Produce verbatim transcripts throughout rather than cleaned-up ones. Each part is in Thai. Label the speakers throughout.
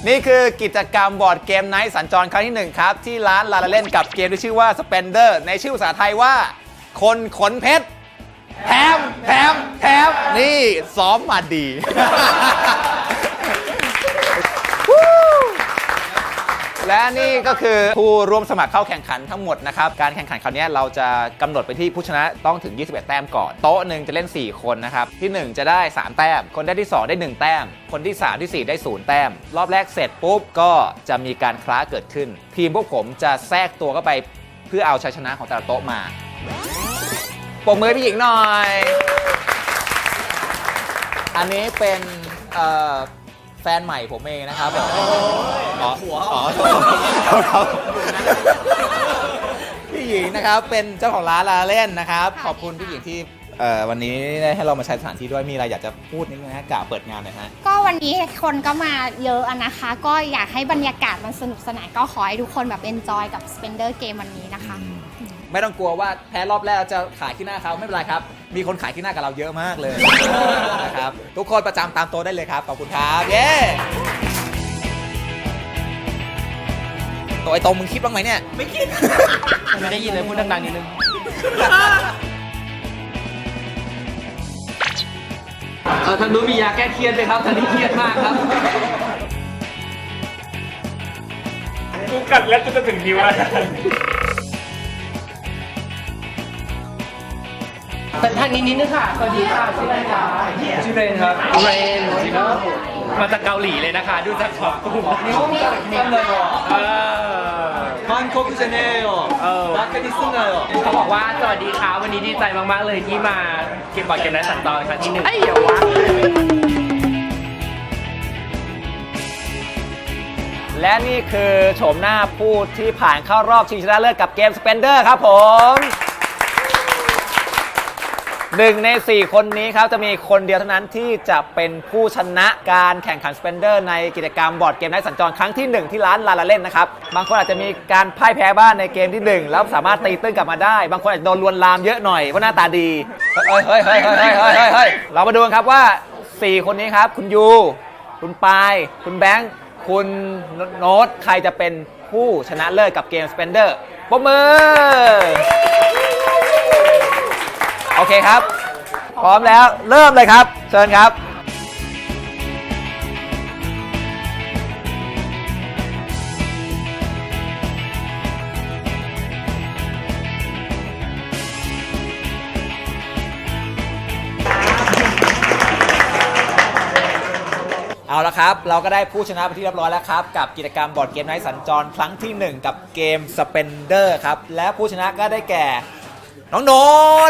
Speaker 1: นี่คือกิจกรรมบอร์ดเกมไนท์สัญจรครั้งที่หนึ่งครับที่ร้านลาลาเล่นกับเกมที่ชื่อว่า Spender ในชื่อภาษาไทยว่าคนขนเพชรแถมแถมแถมนี่ซ้อมมาดี และนี่ก็คือผู้ร่วมสมัครเข้าแข่งขันทั้งหมดนะครับการแข่งขันคราวนี้เราจะกำหนดไปที่ผู้ชนะต้องถึงยี่สิบเอ็ดแต้มก่อนโต๊ะหนึ่งจะเล่นสี่คนนะครับที่หนึ่งจะได้สามแต้มคนได้ที่สองได้หนึ่งแต้มคนที่สามที่สี่ได้ศูนย์แต้มรอบแรกเสร็จปุ๊บก็จะมีการคล้าเกิดขึ้นทีมพวกผมจะแทรกตัวเข้าไปเพื่อเอาชัยชนะของแต่ละโต๊ะมาปรบมือพี่หญิงหน่อยอันนี้เป็นเอ่อแฟนใหม่ผมเองนะครับอ๋อหัวอ๋อพี่หญิงนะครับเป็นเจ้าของร้านลาเล่นนะครับขอบคุณพี่หญิงที่วันนี้ได้ให้เรามาใช้สถานที่ด้วยมีอะไรอยากจะพูดนิดนึงนะกล่าวเปิดงานหน่อยฮะ
Speaker 2: ก็วันนี้คนก็มาเยอะนะคะก็อยากให้บรรยากาศมันสนุกสนานก็ขอให้ทุกคนแบบเอนจอยกับ Spender เกมวันนี้นะคะ
Speaker 1: ไม่ต้องกลัวว่าแพ้รอบแรกจะขายขี้หน้าเขาไม่เป็นไรครับมีคนขายขี้หน้ากับเราเยอะมากเลยนะครับทุกคนประจำตามโต๊ะได้เลยครับขอบคุณครับเย้ตัวไอ้ตรงมึงคิดบ้างไหมเนี่ยไม่คิด
Speaker 3: ไม่ได้ยินเลยพูดดังๆนิดนึงเออทางนู้นมียาแก้เครียดไหมครับทางนี้เครียดมากครับ
Speaker 4: กูกัดแล้วจะถึงนิ้วแล้ว
Speaker 3: แต่ทางนี้นิดนึงค่ะสวัสดีค่ะชื่ออะไรคะชื่อเรนครับเรนมาจากเกาหลีเลยนะคะดูจากช็อปกลุ่มนี้ต้องจัดเต็มเลยเออฮันโคกุเจเนโอเออรักกันที่สุดเลยเขาบอกว่าสวัสดีค่ะวันนี้ดีใจมากๆเลยที่มาเก็บบอร์ดเกมไนท์สัญจรครั้งที่หนึ่งไอ้เหี้ยวะ
Speaker 1: และนี่คือโฉมหน้าผู้ที่ผ่านเข้ารอบชิงชนะเลิศกับเกม Spender ครับผมหนึ่งในสี่คนนี้ครับจะมีคนเดียวเท่านั้นที่จะเป็นผู้ชนะการแข่งขัน Spender ในกิจกรรมบอร์ดเกมไนท์สัญจรครั้งที่หนึ่งที่ร้านลาลาเล่นนะครับบางคนอาจจะมีการพ่ายแพ้บ้างในเกมที่หนึ่งแล้วสามารถตีตื้นกลับมาได้บางคนอาจจะโดนลวนลามเยอะหน่อยเพราะหน้าตาดีเฮ้ยเฮ้ยเฮ้ยเฮ้ยเฮ้ยเฮ้ยเฮ้ยเรามาดูกันครับว่าสี่คนนี้ครับคุณยูคุณปายคุณแบงค์คุณโน้ตใครจะเป็นผู้ชนะเลิศกับเกม Spender ปรบมือโอเคครับพร้อมแล้วเริ่มเลยครับเชิญครับเอาละครับเราก็ได้ผู้ชนะไปที่เรียบร้อยแล้วครับกับกิจกรรมบอร์ดเกมไนท์สัญจรครั้งที่หนึ่งกับเกม Spender ครับและผู้ชนะก็ได้แก่น้องโน้ต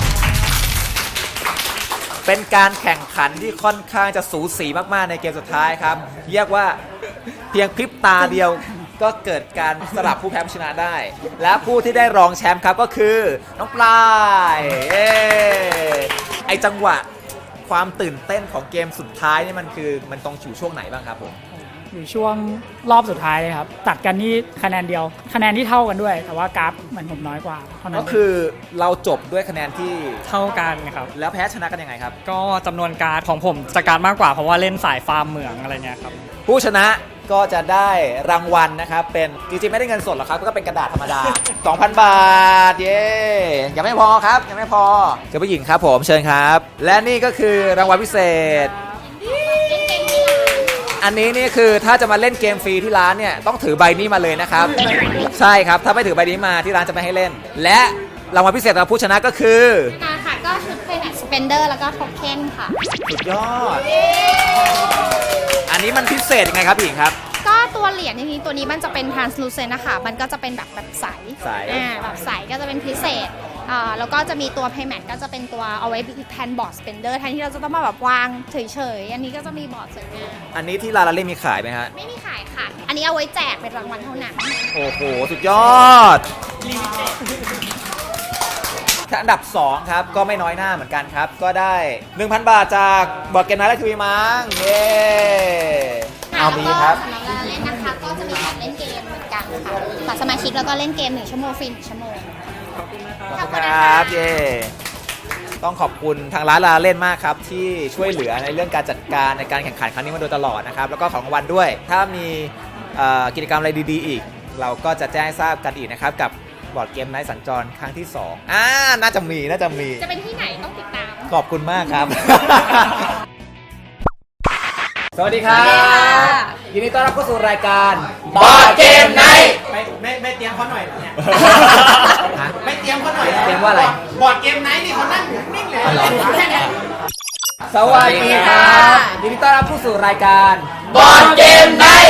Speaker 1: เป็นการแข่งขันที่ค่อนข้างจะสูสีมากๆในเกมสุดท้ายครับเรียกว่าเพียงพริบตาเดียวก็เกิดการสลับผู้แพ้ผู้ชนะได้และผู้ที่ได้รองแชมป์ครับก็คือน้องปลายเอ้ไอจังหวะความตื่นเต้นของเกมสุดท้ายนี่มันคือมันตรงอยู่ช่วงไหนบ้างครับผม
Speaker 5: อยู่ช่วงรอบสุดท้ายเลยครับตัดกันที่คะแนนเดียวคะแนนที่เท่ากันด้วยแต่ว่ากราฟเหมือนผมน้อยกว่าเท่านั้น
Speaker 1: ก็คือเราจบด้วยคะแนนที่
Speaker 5: เท่ากันครับ
Speaker 1: แล้วแพ้ชนะกันยังไงครับ
Speaker 5: ก็จำนวนการ์ดของผมจะการ์ดมากกว่าเพราะว่าเล่นสายฟาร์มเหมืองอะไรเงี้ยครับ
Speaker 1: ผู้ชนะก็จะได้รางวัลนะครับเป็นจริงๆไม่ได้เงินสดหรอกครับก็เป็นกระดาษธรรมดา สองพัน บาทเย้ยังไม่พอครับยังไม่พอเจ้าผู้หญิงครับผมเชิญครับและนี่ก็คือรางวัลพิเศษอันนี้นี่คือถ้าจะมาเล่นเกมฟรีที่ร้านเนี่ยต้องถือใบนี้มาเลยนะครับใช่ครับถ้าไม่ถือใบนี้มาที่ร้านจะไม่ให้เล่นและรางวัลพิเศษสำหรับผู้ชนะก็คือ
Speaker 2: ค่ะก็ชุดเป็นสเปนเดอร์แล้วก็โทเค็นค่ะ
Speaker 1: สุดยอดอันนี้มันพิเศษยังไงครับพี่หญิงครับ
Speaker 2: ก็ตัวเหรียญทีนี้ตัวนี้มันจะเป็น translucent นะคะมันก็จะเป็นแบบแบบใสอ่าแบบใสก็จะเป็นพิเศษอ่าแล้วก็จะมีตัว payment ก็จะเป็นตัวเอาไว้แทนบอร์ด spender แทนที่เราจะต้องมาแบบวางเฉยๆอันนี้ก็จะมีบอร์ดสวยงาม
Speaker 1: อันนี้ที่ลาลาเล่มีขายไหมฮะ
Speaker 2: ไม่มีขายค่ะอันนี้เอาไว้แจกเป็นรางวัลเท่านั้น
Speaker 1: โอ้โหสุดยอดอันดับสองครับก็ไม่น้อยหน้าเหมือนกันครับก็ได้ หนึ่งพัน บาทจากบอร์ดเกมไนท์และทีวีมั้งเย้เอามีครับ
Speaker 2: สำหรับเราเล่นนะคะก็จะมีการเล่นเกมเหมือนกันค่ะบัตรสมาชิกแล้วก็เล่นเกมหนึ่งชั่วโมงฟรีหนึ่งชั่วโมง
Speaker 1: ขอบคุณครับเย้ต้องขอบคุณทางร้านลาเล่นมากครับที่ช่วยเหลือในเรื่องการจัดการในการแข่งขันครั้งนี้มาโดยตลอดนะครับแล้วก็ของรางวัลด้วย ถ้ามีเอ่อกิจกรรมอะไรดีๆอีก เราก็จะแจ้งให้ทราบกันอีกนะครับกับบอร์ดเกมไนท์สัญจรครั้งที่สองอ่าน่าจะมีน่าจะมี
Speaker 2: จะเป็นที่ไหนต้องติดตาม
Speaker 1: ขอบคุณมากครับ สวัสดีครับยินดีต้อนรับเข้าสู่รายการบอร์ดเกมไนท์
Speaker 6: ไม่ไม่ไม่เตรียมเขาหน่อยเนี่ย
Speaker 1: ฮะ
Speaker 6: ไม่เตรียมเขาหน่อย
Speaker 1: เตรียมว่าอะไร
Speaker 6: บอร์ดเกมไนท์นี่เขานั่งอยู่นิ่งเลยแค่เนี้ย
Speaker 1: สวัสดีครับยินดีต้อนรับเข้าสู่รายการ
Speaker 6: บอร์ดเกมไนท์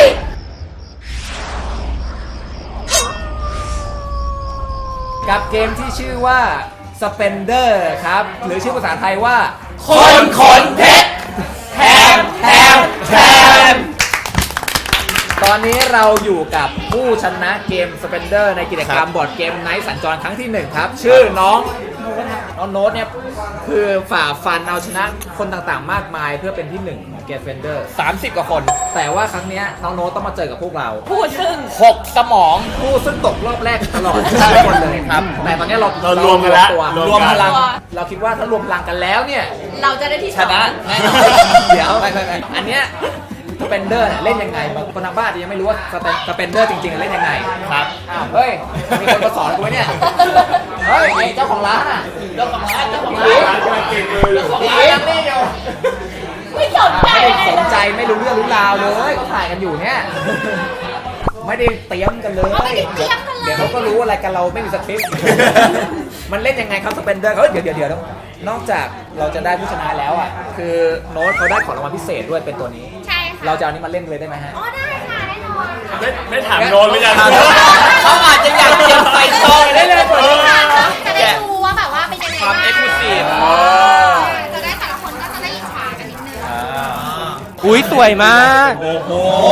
Speaker 1: กับเกมที่ชื่อว่า Spender ครับหรือชื่อภาษาไทยว่า
Speaker 6: คนขนเพชรแถมแถมแถม
Speaker 1: ตอนนี้เราอยู่กับผู้ชนะเกม Spender ในกิจกรรมบอร์ดเกมไนท์สัญจรครั้งที่หนึ่งครับ ชื่อน้องน้องโน้ตเนี่ยคือฝ่าฟันเอาชนะคนต่างๆ มากมายเพื่อเป็นที่หนึ่งของเกม Spender สามสิบกว่าคน แต่ว่าครั้งเนี้ยน้องโน้ตต้องมาเจอกับพวกเราผู้ซึ่งหกสมองผู้ซึ่งตกรอบแรกตลอดทุกคนเลยครับแต่ตอนนี้เรา
Speaker 4: เรารวมกันแล้ว
Speaker 1: ตัว
Speaker 4: ร
Speaker 1: ร
Speaker 4: ว
Speaker 1: ว
Speaker 4: ม
Speaker 1: ม
Speaker 4: กั
Speaker 1: พ
Speaker 4: น
Speaker 1: ลังเราคิดว่าถ้ารวมพลังกันแล้วเนี่ย
Speaker 7: เราจะได้ที่
Speaker 1: ชนะแน่นอนเดี๋ยวไปไปไปอันเนี้ยสเปนเดอร์เนี่ยเล่นยังไงบางคนทางบ้านอาจจะยังไม่รู้ว่าสเปนเดอร์จริงๆเล่นยังไงครับอ้าวเฮ้ยมีคนมาสอนกูไหมเนี่ยเฮ้ยไอ้เจ้าของร้านอ่ะเจ้าของร้านเจ้าของร้านเจ้าของร้านยังไม่อยู่
Speaker 7: ไม่สนใจ
Speaker 1: ไม่ได้
Speaker 7: อะไร
Speaker 1: สน
Speaker 7: เลย
Speaker 1: ใจไม่รู้เรื่องรู้ราวเลยก็ถ่ายกันอยู่เนี่ยไม่ได้เตรียมกันเลย
Speaker 2: ไม่ได้เตรียมกันเลย
Speaker 1: เดี๋ยวเขาก็รู้อะไรกันเราไม่มีสคริปต์ มันเล่นยังไงครับสเปนเดอร์เฮ้ยเดี๋ยวเดี๋ยวเดี๋ยวนอกจากเราจะได้ผู้ชนะแล้วอ่ะคือโน้ตเขาได้ของรางวัลพิเศษด้วยเป็นตัวนี้
Speaker 2: ใช่ค่ะ
Speaker 1: เราจะเอานี้มาเล่นเลยได้ไหมฮะ
Speaker 2: อ๋อได้ค่ะแน่นอน
Speaker 4: ไม่ไม่ถามโดนหรือยัง
Speaker 1: เขาอาจจะอยากเตรียมใส่ซองได้เลยตัวนี้
Speaker 2: จะได้ดูว่าแบบว่าเป็นยังไง
Speaker 1: ความ
Speaker 2: บ้าง
Speaker 1: เอ็กซ์คลูซีฟ
Speaker 2: จะได้แต่ละคนก็จะได้อิจฉากันนิดนึง
Speaker 3: อุ้ยสวยมาก
Speaker 4: โอ้โห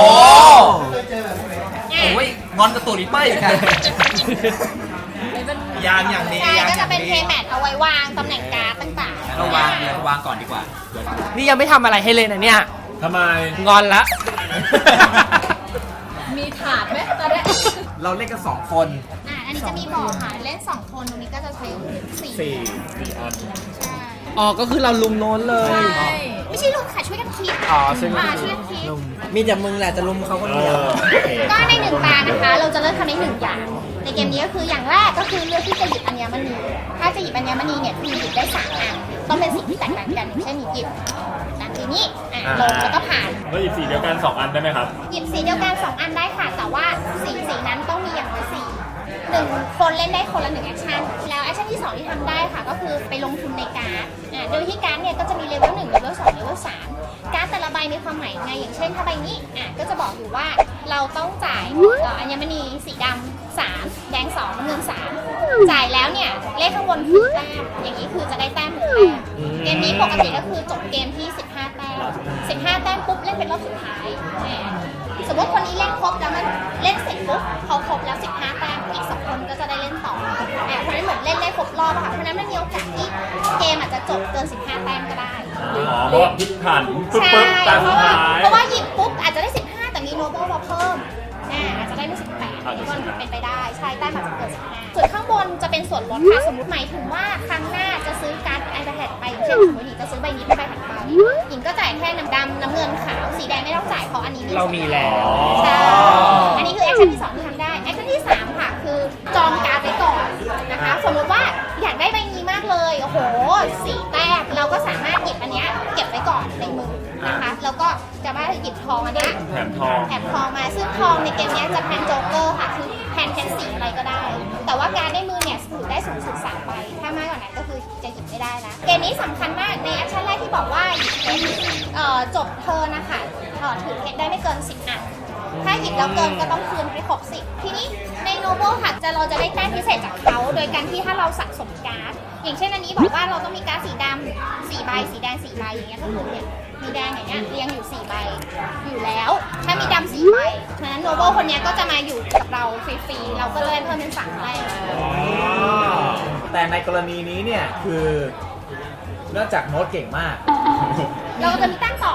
Speaker 1: โอ้ยงอนกระตุนอีกป้ายอยู่ค่ะ
Speaker 6: ยางอย่างนี้
Speaker 2: ใช่
Speaker 6: ยาง
Speaker 2: ก็
Speaker 6: อ
Speaker 2: จะ
Speaker 6: ย่าง
Speaker 2: เป็น
Speaker 6: นี้
Speaker 2: เทแมทเอาไว้วางตำแหน่งการ์ดต่างๆ
Speaker 1: เราวางเลยวางก่อนดีกว่า
Speaker 3: นี่ยังไม่ทำอะไรให้เลยนะเนี่ย
Speaker 4: ทำไม
Speaker 3: งอนละ
Speaker 7: มีถาดไหมตอนเนี้ย
Speaker 1: เราเล่นกันสองคน
Speaker 2: อ่ะอันนี้จะมีบอกค่ะเล่นสองคนตรงนี้ก็จะใช้สี่
Speaker 1: สี่สี่อัน
Speaker 2: ใช่
Speaker 3: อ๋อ ก็คือเราลุมโน้นเลย
Speaker 2: ใช่ไม่ใช่ลูกค่ะช่วยกันคิด
Speaker 3: อ๋อช่วยกัน
Speaker 2: อ่า
Speaker 3: คิด
Speaker 2: ช่วยกันคิด
Speaker 6: มีแต่มึงแหละจะลุมเขาคนเดียว
Speaker 2: ก็ในหนึ่งตานะคะ เราจะเลือกทำได้หนึ่งอย่าง ในเกมนี้ก็คืออย่างแรกก็คือเลือกที่จะหยิบอัญมณี ถ้าจะหยิบอัญมณีเนี่ยคือหยิบได้สามอันต้องเป็นสิ่งที่แตกต่างกันอย่างเช่นหยิบนะทีนี้อ่ะลงแล้วก็ผ่าน
Speaker 4: แล้วอีกสีเดียวกันสองอันได้ไหมครับ
Speaker 2: หยิบสีเดียวกันสองอันได้ค่ะ แต่ว่าสีสีนั้นต้องมีอย่างน้อยสี่หนึ่งคนเล่นได้คนละหนึ่งแอคชั่นแล้วแอคชั่นที่สองที่ทำได้ค่ะ ก็คือไปลงทุนในการ์ดอ่าโดยที่การ์ดเนี่ยก็จะมีเลเวลหนึ่งเลเวลสองเลเวลสามการ์ดแต่ละใบมีความหมายยังไงอย่างเช่นถ้าใบนี้อ่ะก็จะบอกอยู่ว่าเราต้องจ่ายเอ่ออัญมณีสีดำสามแดงสองน้ำเงินสามจ่ายแล้วเนี่ยเลขข้างบนคือแต้มอย่างนี้คือจะได้แต้มหนึ่งแต้มเกมนี้ปกติก็คือจบเกมที่สิบห้าแต้มสิบห้าแต้มปุ๊บเล่นเป็นรอบสุดท้ายอ่า สมมติคนนี้เล่นครบแล้วมันเล่นเสร็จปุ๊บเขาครบแล้วสิบห้าแต้มอีกสองคนก็จะได้เล่นต่ออ่าเพราะฉะนั้นเหมือนเล่นได้ครบรอบอะค่ะเพราะฉะนั้นมันมีโอกาสที่เกมอาจจะจบเกินสิบห้าแต้มก็ได้
Speaker 4: อ๋อ เพราะว่าพลิกผ่านปึ๊บ
Speaker 2: ใช่
Speaker 4: ปึ๊บตาม
Speaker 2: เพ
Speaker 4: สุด
Speaker 2: ราะว่า
Speaker 4: ท้าย
Speaker 2: เพราะว่าหยิบปุ๊บอาจจะได้สิบห้าแต่มีโนเบิลมาเพิ่มอ่าอาจจะได้ไม่สิบแปด
Speaker 4: อาจจะ
Speaker 2: ก็เป็นไปได้ใช่แต้มอาจจะเกินสิบห้าส่วนข้างบนจะเป็นส่วนลดค่ะสมมติหมายถึงว่าครั้งหน้าจะซื้อการ์ดไอแพดไปอย่างเช่นสมมติหญิงจะซื้อใบนี้เป็นใบถัดไปหญิงก็จ่ายแค่น้ำดำน้ำเงินขาวสีแดงไม่ต้องจ่ายเพราะอันนี้
Speaker 3: เรามีแล้ว
Speaker 2: ใช่ อันนี้คือแอคชั่นที่สองที่ทำได้ แอคชั่นที่สามค่ะ คือจองการ์ดไว้ก่อนนะคะ สมมติว่าอยากได้ใบนี้มากเลย โอ้โหสี่แต้มเราก็สามารถหยิบอันเนี้ยเก็บไว้ก่อนในมือนะคะ แล้วก็จะมาหยิบทองอันเนี้ย
Speaker 4: แถมทอง
Speaker 2: แถมทองมา ซึ่งทองในเกมเนี้ยจะแทนโจ๊กเกอร์ค่ะ คือแทนเพชรสีอะไรก็ได้ แต่ว่าการดในมือเนี่ยถือได้สูงสุดสามใบ ถ้ามากกว่านั้นก็คือจะหยิบไม่ได้นะ เกมนี้สำคัญมากในแอคชั่นแรกที่บอกว่าหยิบเพชรเอ่อจบเทิร์นนะคะเอ่อถือเพชรได้ไม่เกินสิบอัน ถ้าหยิบแล้วเกินก็ต้องคืนให้ครบสิบทีนี้ในโนโบค่ะจะเราจะได้แต้มพิเศษจากเขาโดยการที่ถ้าเราสะสมการ์ดอย่างเช่นอันนี้บอกว่าเราต้องมีการ์ดสีดำสี่ใบสีแดงสี่ใบอย่างเงี้ยก็คือเนี่ยมีแดงอย่างเงี้ยเรียงอยู่สี่ใบอยู่แล้ว ถ้ามีดำสี่ใบฉะนั้นโนโบคนเนี้ยก็จะมาอยู่กับเราฟรีๆเราก็เลยเพิ่มเป็นสามใบ
Speaker 1: แต่ในกรณีนี้เนี่ยคือเนื่องจากโน้ตเก่งมาก
Speaker 2: เราจะมีแต้มต่อเหรอคะ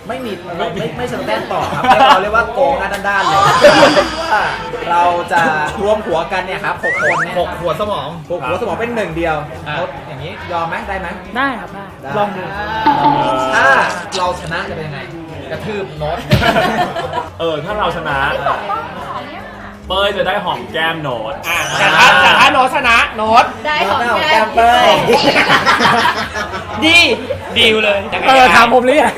Speaker 1: ไม่มีไม่ไม่ไม่เชิงแต้มต่อครับเราเรียกว่าโกงหน้าด้านๆเลยว่าเราจะรวมหัวกันเนี่ยครับหกคนเนี่ย
Speaker 4: หกหัวสมอง
Speaker 1: หกหัวสมองเป็นหนึ่งเดียวโน้ตอย่างนี้ยอมไหมได้ไหม
Speaker 5: ได้ครับได้
Speaker 1: ได้
Speaker 5: ลองดู
Speaker 1: ถ้าเราชนะจะเป็นยังไง กระทืบโน้ต
Speaker 4: เออ ถ้าเราชนะ เป้ยจะได้หอมแก้มโน้ต
Speaker 3: แต่ถ้าแต่ถ้าโน้ตชนะโน้ต
Speaker 7: ได้ของ
Speaker 1: ได้ของ
Speaker 7: แก้
Speaker 1: แก้
Speaker 7: ม
Speaker 1: มเป้ย
Speaker 3: ดีดีลเลยแต่ก็
Speaker 5: เออถามผมหรือยัง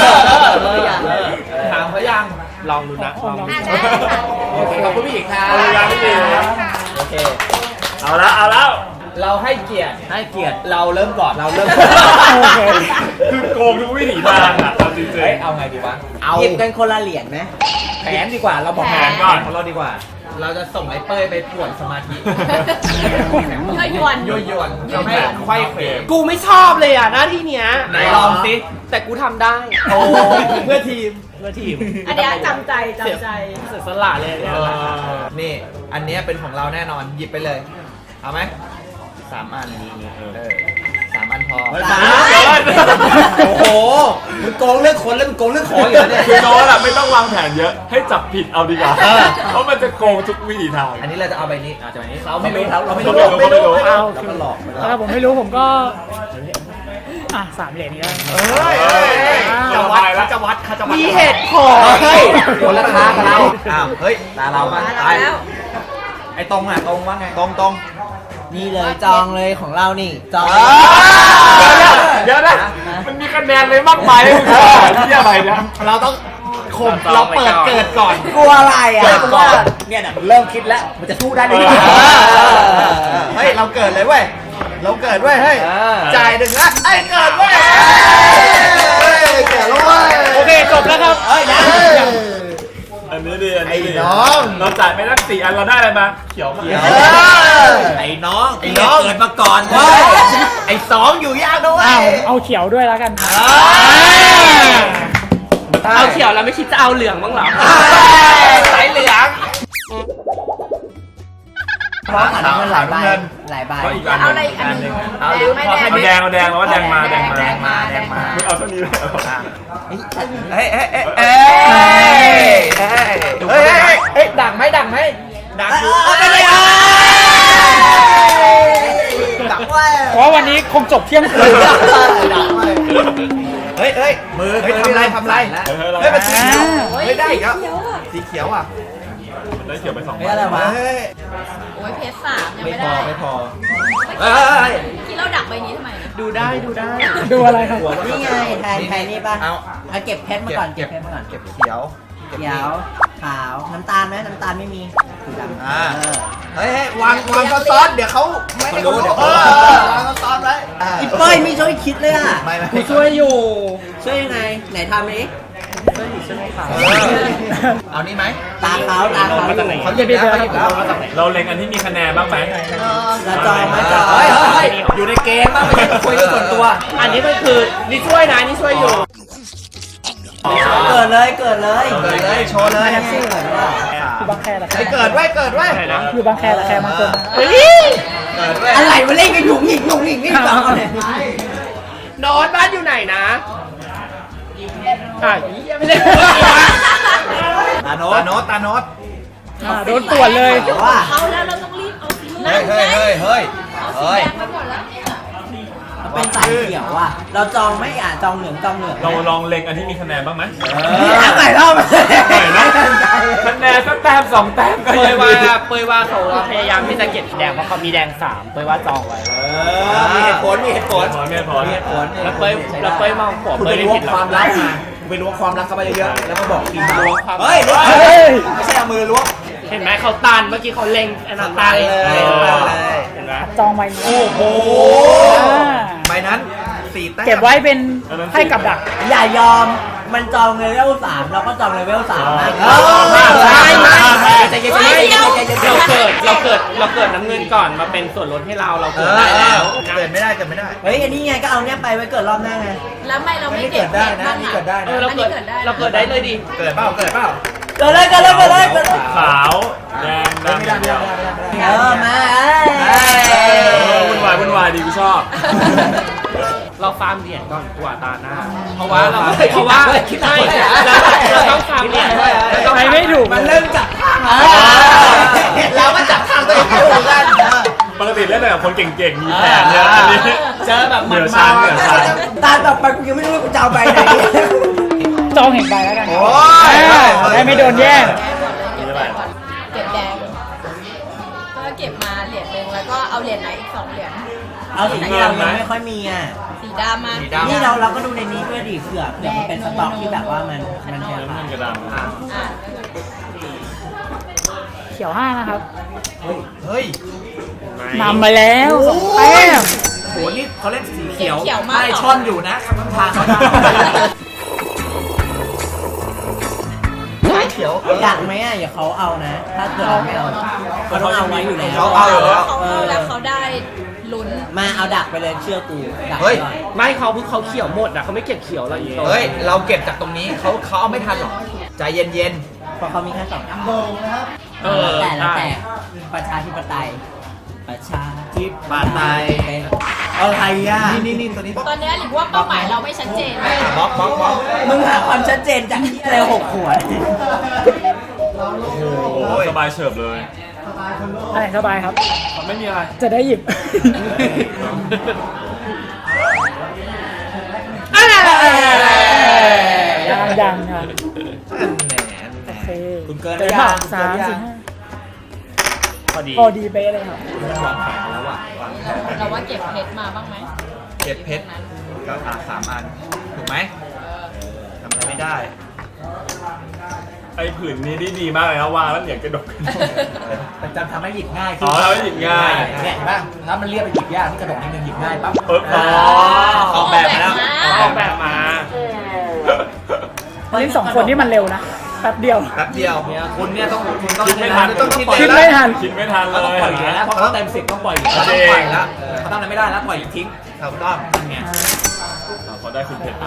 Speaker 1: ถามเขายัง
Speaker 3: ลองดูนะลองดู
Speaker 7: อ่ะได้ค่ะ
Speaker 1: โอเคขอบคุณพี่อีกครับ
Speaker 4: ขอบคุณครับพี่อีกครับ
Speaker 1: โอเค
Speaker 4: เอาละเอาแล้ว
Speaker 1: เราให้เกียรติให้เกียรติเราเริ่มก่อนเราเริ่ม
Speaker 5: โอเค
Speaker 4: คือโกงทุกวิถีทางอ่ะเอาจริง
Speaker 1: เฮ้ยเอาไงดีวะเอา
Speaker 6: หยิบกันคนละเหรียญไหม
Speaker 1: แผนดีกว่าเราบอก
Speaker 4: แผ
Speaker 1: แผ
Speaker 4: น
Speaker 1: น
Speaker 4: ก่
Speaker 1: ก่
Speaker 4: อ
Speaker 1: อน นของเราดีกว่า เราจะส่งไอ้เป้ยไปป่วนสมาธิ
Speaker 7: ยั่วยวน
Speaker 1: ยั่วยวนทำให้ไขว้เขว
Speaker 3: กูไม่ชอบเลยอ่ะหน้าที่เนี้ย
Speaker 1: ไหนลองสิ
Speaker 3: แต่กูทำได้
Speaker 1: โอ้เพื่อทีม
Speaker 3: เพื่อทีม
Speaker 7: อันเนี้ยจำใจจำใจ
Speaker 3: เสียสละเลยเนี่ย
Speaker 1: นี่ อันเนี้ยเป็นของเราแน่นอน หยิบไปเลย เอาไหมสามอันเออสามอันพอ
Speaker 4: สามอัน
Speaker 1: โอ้โห มึงโกงเรื่องคนแล้วมึงโกงเรื่องของอยู่แล้วเนี่ย
Speaker 4: คือโน้ตอะไม่ต้องวางแผนเยอะ ให้จับผิดเอาดีกว่า
Speaker 1: เออ
Speaker 4: เพราะมันจะโกงทุกวิถีทาง
Speaker 1: อันนี้เราจะเอาใบนี้อาจจะใบนี้ เราไม่รู้เราเราไม่
Speaker 4: เรา
Speaker 1: รู้
Speaker 4: ไม่รู้
Speaker 5: เอา
Speaker 1: เราก็หลอกไปแล้ว
Speaker 5: ถ้าผมไม่รู้ผมก็อ่ะสามเหรียญนี้ก็
Speaker 1: เฮ้ยจะวัดเขาจะวัดเขาจะวัด
Speaker 3: มีเหตุผล
Speaker 1: เฮ้ยคนละทางกับเรา อ้าว เฮ้ยตาเรามา
Speaker 7: มา
Speaker 1: ตาย
Speaker 7: แล้ว
Speaker 1: ไอ้ตรงอ่ะตรงว่าไง ตรงตรง
Speaker 6: นี่เลยจองเลยของเรานี่จอง
Speaker 4: เดี๋ยวนะมันมีคะแนนเลยมากมายให้มึงขอที่อะไรเนี่ย
Speaker 1: เราต้องข่มเราเปิดเกิดก่อน
Speaker 6: กลัวอะไรอ่ะ
Speaker 1: เกิดก่อนเนี่ยนะมันเริ่มคิดแล้ว มันจะสู้ได้หรือเปล่าเฮ้ย เราเกิดเลยเว้ย เราเกิดเว้ย เฮ้ย จ่ายหนึ่งนะไอ้เกิดเว้ยเฮ้ยเกิดแล้วเว้ย
Speaker 3: โอเคจบแล้วครับ
Speaker 1: เฮ้ยนะ
Speaker 4: อันนี้ดีอันนี้ดี
Speaker 1: ไอ้น้อง
Speaker 4: เราจ่ายไปตั้งสี่อันเราได้อะไรมา เขียวมา
Speaker 1: ไอ้น้องไอ้น้องเกิดมาก่อนเว้ยไอ้สองอยู่ยากด้วย
Speaker 5: อ้าวเอาเขียวด้วยแล้วกัน
Speaker 3: เอาเขียวแล้วไม่คิดจะเอาเหลืองบ้างเหรอ
Speaker 1: สายเหลือง
Speaker 6: เพราะขันมันหลายใบหลายใบ
Speaker 4: ก็อีกอัน
Speaker 7: เอา
Speaker 4: ห
Speaker 7: อะไร
Speaker 4: นึ่ง
Speaker 7: อีกอันหนึง
Speaker 1: เอา
Speaker 7: แดงไหม
Speaker 4: เอาแดงเอาแดงแล้วว่าแดงมาแดงมา
Speaker 7: แดงมาแดงมา
Speaker 4: ไม่เอาเท่านี้เลยเหรอ
Speaker 1: เฮ้ยเฮ้ยเฮ้ยเฮ้ยเฮ้ยเฮ้ยเฮ้ยดังไหมดังไหมดังอยู่
Speaker 6: ไม่ได้ดักไว้
Speaker 5: เพราะวันนี้คงจบเที่ยงคืน
Speaker 1: เฮ้ยเฮ้ยมือเฮ้ยทำไรทำไร
Speaker 4: เฮ้ย
Speaker 1: เฮ้ยมันสีเขียว
Speaker 5: อ่า
Speaker 1: เฮ้ยได้อีกแล้วสีเขียวอ่ะ
Speaker 4: ได้เขียวไปสอง
Speaker 6: เฮ้ยอะไรวะ
Speaker 1: เฮ้ย
Speaker 7: โอ้ยเพชรสามยัง
Speaker 1: ไม่
Speaker 7: ไม่
Speaker 1: พอ
Speaker 7: ได้
Speaker 1: ไม่พอ
Speaker 7: เมื่อ
Speaker 1: เฮ้ย
Speaker 7: กี้เราดักใบนี้ทำไมนะ
Speaker 3: ดูได้ดูได้
Speaker 5: ดูอะไรครับ
Speaker 6: นี่ไงแทนแทนนี่ป่ะ
Speaker 1: เอา
Speaker 6: เอาเก็บเพชรมาก่อนเก็บเพชรมาก่อน
Speaker 1: เก็บเขียว
Speaker 6: เขียวขาวน้ำตาลไหมน้ำตาลไม่มีสีดำ
Speaker 1: อ่า
Speaker 6: เออ
Speaker 1: เฮ้ยวางวางซ้อนๆเดี๋ยวเขาไม่ให้เขารู้เออวางซ้อนๆไว้
Speaker 6: อีเป้ยไม่ช่วยคิดเลยอ่ะ
Speaker 1: ไม่ไม่
Speaker 3: กูช่วยอยู่
Speaker 6: ช่วยยังไงไหนทำดิ
Speaker 1: เอานี่ไหม
Speaker 6: ตาขาวตาขาว
Speaker 3: มาจากไหน
Speaker 1: เขาหยิบแล้วเขาหยิบแล้ว
Speaker 4: เราเล็งอันที่มีคะแนนบ้างไหม
Speaker 6: แล้วจองไหมจอง
Speaker 1: เฮ้ยเฮ้ยอยู่ในเกมบ้างไม่ใช่คุยกันส่วนตัว
Speaker 3: อันนี้มันคือนี่ช่วยนะนี่ช่วยอยู่
Speaker 6: เกิดเลยเกิดเลย
Speaker 1: เกิดเลยโชว์เลย
Speaker 6: แท็กซี่เหมือนว่า
Speaker 5: คือบางแคละแค
Speaker 1: ไอ้เกิดไว้เกิดไว้
Speaker 5: คือบางแคละแคบางคน
Speaker 3: เฮ้ย
Speaker 1: เกิดไว้
Speaker 6: อะไรมาเล่นกันหยุ่งหยิงหยุ่งหยิงนี่จองเอาเลย
Speaker 3: นอนบ้านอยู่ไหนนะอ่ะยังไม่ได้
Speaker 1: ตาโนตตาโนตตาโนต
Speaker 5: อ่าโดนตรวจเลย
Speaker 6: ว่า
Speaker 7: เอาแล้วเราต้องรีบเอาสี
Speaker 1: เฮ้ยเฮ้ยเฮ้ยเฮ้ย
Speaker 7: เอาสี
Speaker 1: เฮ้ย
Speaker 7: แดงไปหมดแล้วเนี่ย
Speaker 6: เป็นสายเขียวอ่ะเราจองไม่อ่านจองเหลืองจองเหลือง
Speaker 4: เราลองเล็งอันที่มีคะแนนบ้างไหม
Speaker 6: นี่อ่านใหม่รอบ
Speaker 4: หน่อยนะคะแนนสักแต้มสองแต้มก็
Speaker 3: เป
Speaker 4: ยั
Speaker 3: ย
Speaker 4: ง
Speaker 3: ว่า
Speaker 4: ดี
Speaker 3: เปยว่าเขาพยายามที่จะเก็บแดงเพราะเขามีแดงสามเปยว่าจองไว้
Speaker 1: มีเหตุผลมีเหตุผล
Speaker 4: พอไม่พอ
Speaker 1: มีเหตุผล
Speaker 3: แล้วเปยแล้วเปยมองขวบ
Speaker 1: คุณ
Speaker 3: เป
Speaker 1: ไป
Speaker 3: ยได้
Speaker 1: ล้ว
Speaker 3: ผิ
Speaker 1: ง
Speaker 3: ดหร
Speaker 1: ค
Speaker 3: อ
Speaker 1: วามลับมาคุณไปล้วงความลับเข้าไปเยอะๆแล้วก็บอกทีมล้วง
Speaker 3: ความ
Speaker 1: เฮ้ยล้วง
Speaker 5: เฮ้ย
Speaker 1: ไม่ใช่เอามือล้วง
Speaker 3: เห็นไหมเขาตันเมื่อกี้เขาเล็งอันนั้นตัน
Speaker 1: เลย
Speaker 3: ตัน
Speaker 1: เลย
Speaker 3: เห็นไหม
Speaker 5: จองใบนี้
Speaker 1: โอ้โห
Speaker 5: อ่า
Speaker 1: ใบนั้นสี่แต้ม
Speaker 5: เก็บไว้เป็นให้กับดัก
Speaker 6: อย่ายอมมันจองเลเวลสามเราก็จองเลเวลสามนะ
Speaker 3: ใช่ไหม
Speaker 6: ใจเย็น
Speaker 3: ไม่
Speaker 6: ๆใจ
Speaker 3: เรา
Speaker 6: เย็นๆ
Speaker 3: เราเกิดเราเกิดเราเกิดน้ำเงินก่อนมาเป็นส่วนลดให้เราเรา
Speaker 1: เอ
Speaker 3: เกิด
Speaker 1: อ
Speaker 3: ได้
Speaker 1: เอ
Speaker 3: แล้
Speaker 1: อ
Speaker 3: ว
Speaker 1: เกิดไม่ได้เกิดไม่ได้
Speaker 6: เฮ้ยอันนี้ไงก็เอาเนี้ยไปไว้เกิดรอบหน้าไง
Speaker 7: แล้วไม่เรา
Speaker 1: ไม่
Speaker 7: ไม่
Speaker 1: ได้
Speaker 7: เก็
Speaker 1: เกิ
Speaker 7: บ
Speaker 1: ดได้
Speaker 7: เพชร
Speaker 1: นะ
Speaker 7: บ้าง
Speaker 1: นี่
Speaker 7: อ่ะ
Speaker 1: เกิดได้
Speaker 3: เอ
Speaker 1: นะ
Speaker 3: อเราเกิดเราเกิดได้เลยดิ
Speaker 1: เกิดเปล่าเกิดเปล่า
Speaker 6: เกิดเลยเกิดเลยเกิดเลยเกิดเลย
Speaker 4: ขาวแดง
Speaker 1: ไม่
Speaker 4: ดำ
Speaker 1: ได้ไม่ได้ไม่ได้ไม่ได้
Speaker 6: เออมา
Speaker 4: เออวุ่นวายวุ่นวายดีกูชอบ
Speaker 3: เราฟาร์มเหรียญก่อนกว่าตาหน้า
Speaker 1: เพราะว่าเรา
Speaker 3: เพราะว่าใช่เราเราต้องฟาร์มเหรียญ
Speaker 5: ไปไม่ถูก
Speaker 6: มันเริ่มจับทางเราก็จับทางตัวเองไม่ถูกกัน
Speaker 4: ปกติเล่นแต่กับคนเก่งๆ มีแผนเนี่ยอันนี้
Speaker 1: เจอแบบ
Speaker 4: เหนือชั้นเหนือชั้น
Speaker 6: ตาต่อไปกูยังไม่รู้ว่ากูจะเอาไปไหน
Speaker 5: จองเห็นใบแล้วกัน
Speaker 6: โอ้ย
Speaker 5: ได้ไม่โดนแย่ง
Speaker 7: เก็บแดงก่อนเก็บแดงก็เก็บมาเหรียญหนึ่งแล้วก็เอาเหรียญไหนอีกสองเหรียญ
Speaker 6: เอาสีที่เรายังไม่ค่อยมีอ่ะ
Speaker 7: สีดำมา
Speaker 6: นี่เราเราก็ดูในนี้ด้วยดิเผื่อเผื่อมันเป็นสต็อกที่แบบว่ามันมันแพง
Speaker 4: น้ำเงินกระดำ
Speaker 7: อ่ะ
Speaker 5: เขียวห้านะครับ
Speaker 6: เฮ้ย
Speaker 5: นำมาแล้วสองแต้ม
Speaker 6: โหนี่เขาเล่นสีเขียว
Speaker 7: เขียวมาก
Speaker 6: ไม่ช่อนอยู่นะคำทางเขาได้เขียวอยากไหมอ่ะอย่าเขาเอานะ ถ้าเกิดเราไม่เอาเขาต้องเอาไว้อยู่แล้ว
Speaker 7: เขาเอาเขาเอาแล้วเขาได้ลุ้น
Speaker 6: มาเอาดักไปเลยเชื่อกูดัก
Speaker 8: เฮ้ย
Speaker 6: ก่อน
Speaker 3: ไม่เขาเพิ่งเขาเขียวหมดอ่ะเขาไม่เก็บเขียวเราอีก
Speaker 8: เฮ้ย เราเก็บจากตรงนี้เขาเขาเอาไม่ทันหรอก ใจเย็น
Speaker 6: เพราะเขามีแค่สองอัน
Speaker 3: เออ
Speaker 6: แต่แล้ว
Speaker 3: ใช่
Speaker 6: แต่ประชาธิปไตยประชาธิ
Speaker 8: ๆปาดไต
Speaker 6: อะไรอ่ะ
Speaker 8: นี่นี่นี่ตัวนี้
Speaker 7: ตอนนี้หรือว่าเป้าหมายเราไม่ชัดเจนเลย
Speaker 8: บล็อกบล็อกบล็อก
Speaker 6: มึงหาความชัดเจนจากที่อะไรหกขวด
Speaker 4: โอ้สบายเฉิบเลย
Speaker 5: อะไรสบายครับ
Speaker 4: ไม่มีอะไร
Speaker 5: จะได้หยิบ ยังยังครับ โอเค
Speaker 8: คุณเกิน
Speaker 5: เจอ
Speaker 8: ยั
Speaker 5: ผ่าน
Speaker 8: ง
Speaker 5: สามสี่ห้า
Speaker 3: พอดี
Speaker 5: พอดีเป๊ะเลยครับ
Speaker 8: วางแผนแล้วอ่ะวางแผน
Speaker 7: เราว่าเก็บเพชรมาบ้างไหม
Speaker 8: เก็บเพชรก็อ่ะสามอัน ถูกไหมทำอะไรไม่ได้
Speaker 4: ไอ้ผืนนี้ดีดีมากเลยนะวางแล้วเหรียญกระดก
Speaker 6: มันจำทำให้หยิบง่าย
Speaker 4: อ๋อทำให้หยิบง่าย
Speaker 6: เนี่ยเห็นป่ะถ้ามันเรียบไปหยิบยากที่กระดกนิดนึงหยิบง่ายปั๊บ
Speaker 4: เอออ๋อ
Speaker 8: ออกแบบมาแล้ว
Speaker 3: ออกแบบมา
Speaker 5: นี่สองคนนี่มันเร็วนะ แป๊บเดียว
Speaker 8: แป๊บเดียวเนี่ยคุณเนี่ยต้องคุณต้อง
Speaker 4: คิดไม่ทัน
Speaker 8: ต้องคิด
Speaker 5: คิดไม่ทัน
Speaker 4: คิดไม่ทันเล
Speaker 6: เราต้อง
Speaker 4: ย
Speaker 6: ปล่อยเหรียญแล้วเพราะเขาเต็มสิบต้องปล่อยเหรียญ
Speaker 8: เขาต้องปล่อยแล้ว
Speaker 6: เขาต้องอะไรไม่ได้แล้วปล่อยทิ้ง
Speaker 8: ถูกต้อง
Speaker 6: ไง
Speaker 4: เขาได้คุณเพชร
Speaker 7: อ้าว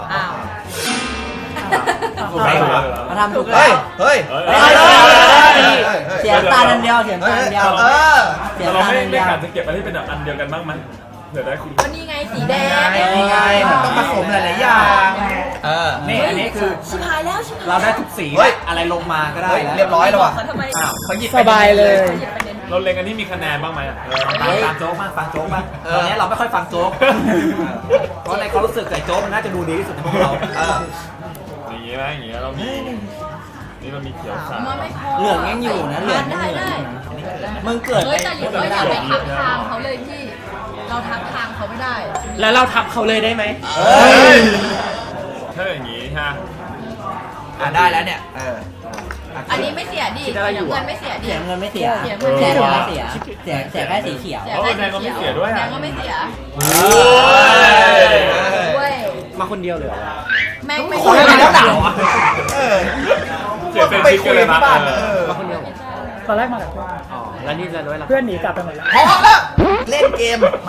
Speaker 6: ถูกไหมเขาทำถูกแล้
Speaker 8: เฮ้ยว เฮ้ย
Speaker 4: เฮ้ย
Speaker 8: เฮ้ย
Speaker 6: เฮ้ย
Speaker 8: เฮ้ย
Speaker 6: เสียตาอันเดียวเสีย
Speaker 8: เฮ้
Speaker 6: ตาย อันเดียว
Speaker 8: เออ
Speaker 6: เสีย
Speaker 4: เรา
Speaker 6: ตา
Speaker 4: ไม่
Speaker 6: อัน
Speaker 4: ไม่
Speaker 6: เดียว
Speaker 4: ขาดจะเก็บอะไรที่เป็นแบบอันเดียวกันบ้างไหมเผื่อได้คุณ
Speaker 7: วันนี้ไงสีแดง
Speaker 8: นี่ไงมันต้องผสมหลายๆอย่างเออ
Speaker 6: นี่อันนี้คือ
Speaker 7: ชิบหายแล้วชิบหาย
Speaker 6: เราได้ทุกสี
Speaker 8: เฮ้ย
Speaker 6: อะไรลงมาก็ได้
Speaker 8: เฮ้ย
Speaker 6: แล้ว
Speaker 8: เรียบร้อยแล้วว่ะ
Speaker 7: เขาทำไม
Speaker 8: อ้าวเขาหยิบ
Speaker 5: สบายเลย
Speaker 7: หยิบประเด็น
Speaker 4: เราเล็งอันนี้มีคะแนนบ้างไหมอ่ะ
Speaker 6: ฟังฟังโจ๊กบ้างฟังโจ๊กบ้างตอนนี้เราไม่ค่อยฟังโจ๊กเพราะในความรู้สึกไก่โจ๊กมันน่าจะดูดีที่สุดในพวกเรา
Speaker 8: เออ
Speaker 4: อย่างงี้ไหมอย่างงี้เรามีนี่เรามีเขียวขาว
Speaker 7: มันไม่พอ
Speaker 6: เหลืองยังอยู่นะเหลือง
Speaker 7: ได้ได้
Speaker 6: มึงเกิด
Speaker 7: เฮ้
Speaker 6: ไป
Speaker 7: ยแต่หรือว่าอย่าไปทักทางเขาเลยพี่ เราทักทางเขาไม่ได้
Speaker 3: แล้วเราทับเขาเลยได้ไหม
Speaker 8: เฮ้ย
Speaker 4: ถ้าอย่างงี้ฮะ
Speaker 8: อ่ะได้แล้วเนี่ย เออ
Speaker 7: อันนี้ไม่เสียดิเงินไม่เสียดิ
Speaker 6: เสียเงินไม่เสีย
Speaker 7: เสีย
Speaker 6: เสี
Speaker 7: เงิ
Speaker 6: ย
Speaker 7: น
Speaker 6: ไม่เสียเสียเสียแค่สีเขียว
Speaker 7: เสียแค่สีเขียวแดงก็ไม่เสีย
Speaker 8: โอ้ย
Speaker 7: เว้ย
Speaker 3: มาคนเดียวเลยเหรอ
Speaker 7: แม่งไม่
Speaker 8: คน
Speaker 7: เสี
Speaker 8: อะไร
Speaker 7: ย
Speaker 8: แล้วหนาวอ่ะเออ
Speaker 4: เสียเป็นชิคกันเลยนะ
Speaker 8: ไปคุยที่บ้านเออ
Speaker 3: มาคนเดียวเหรอ
Speaker 5: ตอนแรกมากับเพื่อน
Speaker 3: อ๋อ แล้วนี่จะด้วยล่ะ
Speaker 5: เพื่อนหนีกลับไปหมดแล้ว
Speaker 8: พร้อมแล้วเล่นเกมมา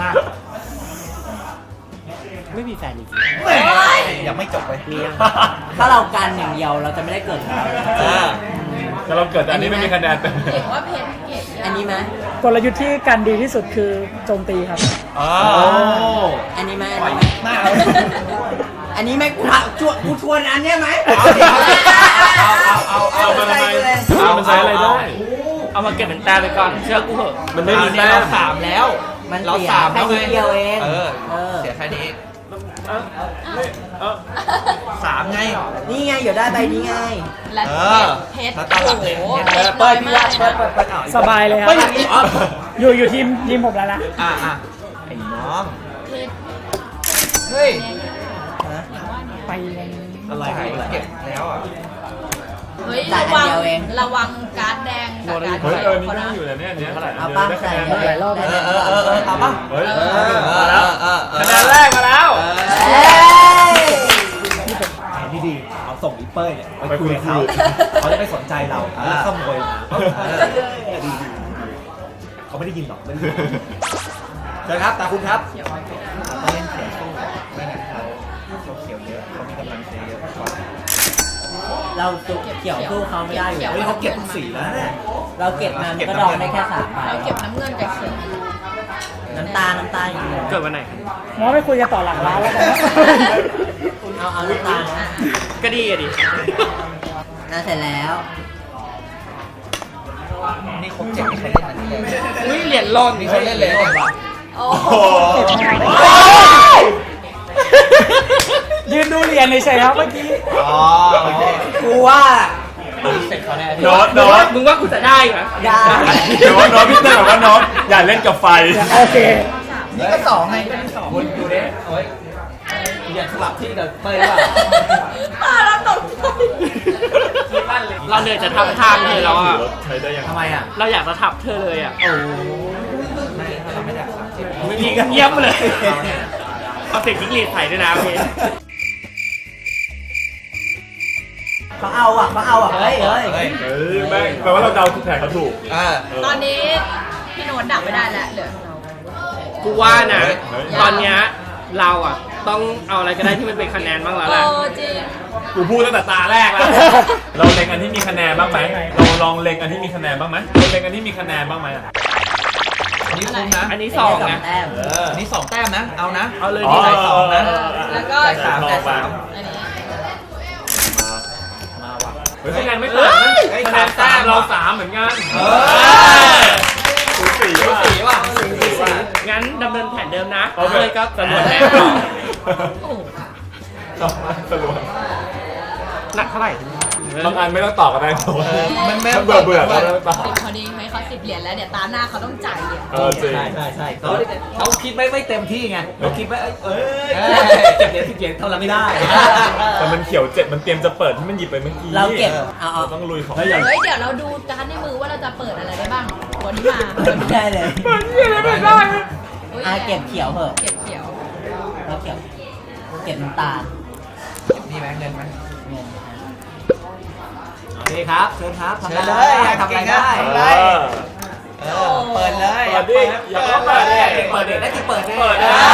Speaker 3: ไม่มีแฟนจริง
Speaker 8: แหมยังไม่จบเลย
Speaker 3: ๆมียัง
Speaker 6: ถ้าเรากันอย่างเดียวเราจะไม่ได้เกิด
Speaker 8: เออ
Speaker 4: แต่เราเกิดแต่อันนี้ไม่มีคะแนนเต็ม
Speaker 7: เก่งว่าเพชรเก่ง
Speaker 6: อันนี้ไหม
Speaker 5: กลยุทธ์ที่กันดีที่สุดคือโจมตีครับ
Speaker 8: อ๋อ
Speaker 6: อันนี้ไหม
Speaker 8: ปล่
Speaker 6: อั
Speaker 8: อน ย
Speaker 6: นี้ไหม
Speaker 8: หน้าเอา
Speaker 6: อันนี้ไหมกูถามชวนกูชวนอันเนี้ยไหม
Speaker 8: เอาเอาเอาเอา
Speaker 4: เอามาทำไมเอามันใช้อะไรได้
Speaker 3: เอามาเก็บเป็นแต้มไปก่อน เชื่อกูเหอะ
Speaker 4: มันไม่มี
Speaker 8: เนี่
Speaker 4: แต้
Speaker 8: ยเรา
Speaker 4: ม
Speaker 8: สามแล้ว
Speaker 6: มัน
Speaker 8: เรา
Speaker 6: เสีย
Speaker 8: สาม
Speaker 6: แค่
Speaker 8: แล้วไง
Speaker 6: นิดเดียวเอง
Speaker 8: เออ
Speaker 6: เออ
Speaker 8: เสียแค่นี้
Speaker 4: เอ้านี่เอ้า
Speaker 8: สามไง
Speaker 6: นี่ไงเดี๋ยวได้ใบนี้ไง
Speaker 7: และ
Speaker 8: เอ
Speaker 7: เพ
Speaker 8: อ
Speaker 7: ชรเพชร
Speaker 8: แล้วตอนหลังเนี่ย
Speaker 7: โอ้โห
Speaker 8: เพชร
Speaker 6: เปิดพี่รักเปิดเปิดเปิดเอา
Speaker 5: สบายเลยครับ
Speaker 6: เฮ้ยอย่างนี้อ๋อ
Speaker 5: อยู่อยู่ทีมทีมผมแล้วนะ
Speaker 8: อ่ะอ่ะไอ้น้อง
Speaker 7: เพชร
Speaker 8: เฮ้ย
Speaker 5: ไปยัง
Speaker 8: อะไรเก็บแล้วอ่ะ
Speaker 7: เฮ้ยระวังระวังการ์ดแดงกับการ์ด
Speaker 4: เฮ้ย
Speaker 7: เขี
Speaker 4: เอ
Speaker 7: ยว
Speaker 4: อนี่
Speaker 7: เขา
Speaker 4: นั่
Speaker 7: นะ
Speaker 4: งอยู่แต่เนี่ยอันเนี้ยเท่าไหร่
Speaker 6: เอา
Speaker 4: เดี๋ยว
Speaker 6: ป้า
Speaker 4: ได้คะ
Speaker 6: ใส่
Speaker 4: แนน
Speaker 6: เดี๋ยว
Speaker 4: เท่าไหร่
Speaker 5: หลายรอบ
Speaker 6: เอ
Speaker 5: แล้ว
Speaker 6: อเออเออเอาป่ะ
Speaker 4: เฮ้ย
Speaker 8: เออเออเออ
Speaker 4: คะแนนแรกมาแล้ว
Speaker 6: เอ้ย
Speaker 9: พี่ดีเอาส่งอีเป้ยเนี่ยไปคุยกับเขาเขาจะไม่สนใจเราแล้วขโมยมาเนี่ยดีดีเขาไม่ได้ยินหรอกไม่ได้ยินเชิญครับตาคุณครับ
Speaker 8: ต้องเล่นเขียวสู้ไม่งั้นเขาเขาเขียวเยอะเขามีกำลังเสียเยอะกว่า
Speaker 6: เราสู้เขียวสู้เขาไม่ได้อยู่
Speaker 9: เฮ้ยเขาเก็บทุกสีแล้วเนี่ย
Speaker 6: เราเก็บมามันก็ดองได้แค่สามใบ
Speaker 7: เราเก็บน้ำเงินกับเขียว
Speaker 8: เอ
Speaker 10: น้ำตาลน้ำตาลอย่างเดียว
Speaker 3: เกิดวันไหน
Speaker 5: มอไม่คุยกันต่อหลังร้านแล้วกันนะ
Speaker 10: เอาเอาน้ำตาลนะ
Speaker 3: ก็ดีอะดิ
Speaker 10: น่าเสร็จแล้ว
Speaker 8: นี่ครบเจ็ดนี่ใครเล่นอันนี้เลย
Speaker 3: อุ้ยเหรียญหล่น
Speaker 8: นี่เขาเล่นเลยเนี่ย
Speaker 7: โอ้
Speaker 4: โอ้
Speaker 7: โห
Speaker 5: ยืนดูเหรียญเฉยๆครับเมื่อกี้
Speaker 8: อ๋อโอเค
Speaker 10: กูว่า
Speaker 8: เสร็จเขาแน่
Speaker 4: โน้ตโน้ต
Speaker 3: มึงว่ากูจะได้เหรอ
Speaker 10: ได้
Speaker 4: เดี๋ยวว่าโน้ตพี่เต้บอกว่าโน้ตอย่าเล่นกับไฟ
Speaker 5: โอเค
Speaker 8: นี่ก็สองไงเป็นสอง
Speaker 9: คุณดูดิโอ้ยเหรียญสลับที่กับเป้ยว่า
Speaker 7: ตาเราตกใจ
Speaker 3: เราเหนื่อยจะทำทางเธอแล้วอ่ะ
Speaker 4: ใช้ได้ยัง
Speaker 9: ทำไมอ่ะ
Speaker 3: เราอยากจะทับเธอเลยอ่ะ
Speaker 9: โอ้ไม่ถ้าเราไม่ได้สามสิบ
Speaker 3: ไม่มีเงียบเลยเอาเสียงจิ้งหรีดใส่ด้วยนะโอเค
Speaker 10: เขาเอาอ่ะเขาเอาอ่ะ เฮ้ยเฮ้ย
Speaker 8: เฮ้ย
Speaker 4: เฮ้ยแม่งแปลว่าเราเดาทุกแผงเขาถูก
Speaker 8: อ่า
Speaker 7: ตอนนี้พี่โน้ตดับไม่ได้แล้วเหลือเรา
Speaker 3: กูว่านะ
Speaker 4: เฮ้ย
Speaker 3: ตอนเนี้ยเราอ่ะ ต้องเอาอะไรก็ได้ที่มันเป็นคะแนนบ้างแล้ว
Speaker 7: โอ้
Speaker 3: แหละ
Speaker 7: จริง
Speaker 4: กูพูดตั้งแต่ตาแรกแล้ว เราเล็งอันที่มีคะแนนบ้างไหมเราลองเล็งอันที่มีคะแนนบ้างไหมเราเล็งอันที่มีคะแนนบ้างไหมอะ
Speaker 8: อันนี้คุ้มนะ
Speaker 3: อันนี้สองนะ
Speaker 10: แต้ม
Speaker 8: เอออันนี้สองแต้มนะ เอานะ
Speaker 3: เอาเลย
Speaker 4: อ๋อ
Speaker 3: นี่
Speaker 8: ใส่สองนะ
Speaker 7: แล้วก็
Speaker 8: ใส่สามใส่สาม
Speaker 7: อันนี้
Speaker 8: มาว่ะ
Speaker 4: เฮ้ยคะแนนไม่ต่างนะ
Speaker 8: เฮ้ย
Speaker 4: คะแนน
Speaker 8: สาม
Speaker 4: ตามเรา
Speaker 8: ว่ะ
Speaker 4: สามเหมือนกัน
Speaker 8: เออ
Speaker 4: สูสี
Speaker 8: สู
Speaker 4: ว่ะ
Speaker 8: สีว่ะ
Speaker 4: สูสีว่ะ
Speaker 3: งั้นดำเนินแผนเดิมนะ
Speaker 4: โอเค
Speaker 3: เลยก็จำนวนแต้มต่อ
Speaker 7: โอ้โห
Speaker 4: ต่อมาสรุป
Speaker 3: หนักเท่าไหร่
Speaker 4: บางอันไม่ต้องต่อกันได้โน้ต
Speaker 8: เออมันไม่
Speaker 4: ถ้าเบื่อเบื่อก็ไม่ต้องต่อ
Speaker 7: สิบพอดีให้เขาสิบเหรียญแล้วเดี๋ยวตาหน้าเขาต้องจ่ายเหรียญ
Speaker 4: เออจริง
Speaker 9: ใช่ใช่ใช่เขาเขาคิดไม่ไม่เต็มที่ไงเขาคิดว่าเอ้ยเอ้ย
Speaker 8: เอ้ย
Speaker 9: เก็บเหรียญสิบเหรียญเท่านั้นไม่ได้
Speaker 4: แต่มันเขียวเจ็ดมันเตรียมจะเปิดที่มันหยิบไปเมื่อกี้
Speaker 10: เราเก็บ เอาเอา
Speaker 4: เราต้องลุยของ
Speaker 9: แล้วอย่าง
Speaker 7: เฮ้ยเดี๋ยวเราดูการ์ดในมือว่าเราจะเปิดอะไรได้บ้างวันนี้มา
Speaker 10: ไม่ได้เลย
Speaker 7: อุ๊ย
Speaker 10: อ่ะเก็บเขียวเหอะ
Speaker 7: เก็บเขียว
Speaker 10: แล้วเขียว เก็บน้ำตาล
Speaker 8: นี่ไหมเงินไหม
Speaker 10: เงิน
Speaker 9: โอเคครับเชิญครับทำ
Speaker 8: เชิ
Speaker 9: ได้
Speaker 8: ญเลย
Speaker 9: ทำอะไรได้
Speaker 8: ทำอะไร เออ เปิดเลย
Speaker 4: เปิดดิอย่าเข้าเปิดดิ
Speaker 9: เปิดเด็กได้ที่เปิด
Speaker 4: เปิด
Speaker 9: เอ
Speaker 4: ดิ
Speaker 9: อ